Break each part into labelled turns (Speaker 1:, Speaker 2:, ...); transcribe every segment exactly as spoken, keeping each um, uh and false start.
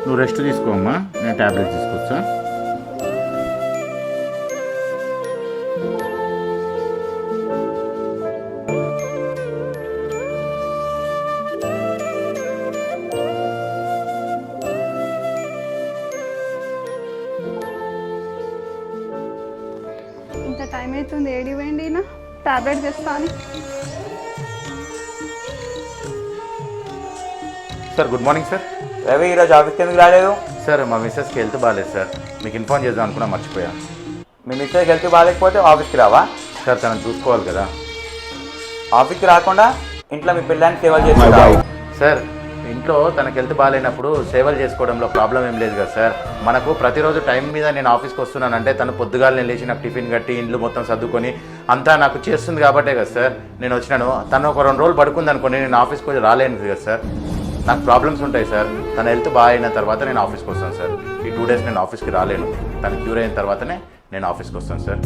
Speaker 1: నువ్వు రెస్ట్ తీసుకోమ్మా, నేను ట్యాబ్లెట్ తీసుకొచ్చా.
Speaker 2: ఇంత టైం అవుతుంది, ఏడి పోయింది ఈయన? టాబ్లెట్ తెస్తాను.
Speaker 1: Sir good morning sir.
Speaker 3: Ravi ఈరోజు ఆఫీస్కి ఎందుకు రాలేదు?
Speaker 1: సార్ మా మిస్సెస్కి హెల్త్ బాగాలేదు సార్, మీకు ఇన్ఫార్మ్ చేద్దాం అనుకున్నా, మర్చిపోయా.
Speaker 3: మీ మిస్టేక్ హెల్త్ బాగాలేకపోతే ఆఫీస్కి రావా?
Speaker 1: సార్ తనను చూసుకోవాలి కదా.
Speaker 3: ఆఫీస్కి రాకుండా ఇంట్లో మీ పిల్లల్ని సేవలు చేస్తావు.
Speaker 1: సార్ ఇంట్లో తనకి హెల్త్ బాగాలేనప్పుడు సేవలు చేసుకోవడంలో ప్రాబ్లం ఏం లేదు కదా సార్. మనకు ప్రతిరోజు టైం మీద నేను ఆఫీస్కి వస్తున్నానంటే తను పొద్దుగాలు నేను లేచి నాకు టిఫిన్ కట్టి ఇండ్లు మొత్తం సర్దుకొని అంతా నాకు చేస్తుంది కాబట్టే కదా సార్ నేను వచ్చినాను. తను ఒక రెండు రోజులు పడుకుంది అనుకోండి, నేను ఆఫీస్కి వచ్చి రాలేను కదా సార్. నాకు ప్రాబ్లమ్స్ ఉంటాయి సార్. తన హెల్త్ బాగా అయిన తర్వాత నేను ఆఫీస్కి వస్తాను సార్. ఈ టూ డేస్ నేను ఆఫీస్కి రాలేను. తను క్యూర్ అయిన తర్వాతనే నేను ఆఫీస్కి వస్తాను సార్.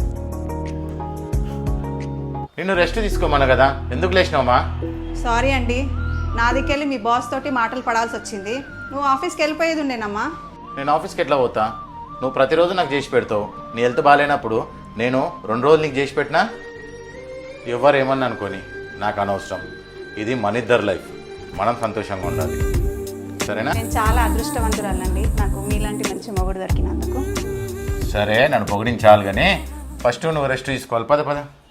Speaker 1: నిన్ను రెస్ట్ తీసుకోమన్నా కదా, ఎందుకు లేచినావమ్మా?
Speaker 4: సారీ అండి, నాదికెళ్ళి మీ బాస్ తోటి మాటలు పడాల్సి వచ్చింది. నువ్వు ఆఫీస్కి వెళ్ళిపోయేది ఉండేనమ్మా.
Speaker 1: నేను ఆఫీస్కి ఎట్లా పోతా? నువ్వు ప్రతిరోజు నాకు చేసి పెడతావు. నీ హెల్త్ బాగాలేనప్పుడు నేను రెండు రోజులు నీకు చేసి పెట్టినా ఎవరు ఏమన్నా అనుకోని నాకు అనవసరం. ఇది మన ఇద్దరు లైఫ్, మనం సంతోషంగా ఉండాలి, సరేనా?
Speaker 4: నేను చాలా అదృష్టవంతురాలండి, నాకు మీలాంటి మంచి మొగుడు దొరికినందుకు.
Speaker 1: సరే నన్ను పొగిడించాలి కానీ ఫస్ట్ నువ్వు రెస్ట్ తీసుకోవాలి. పద పద.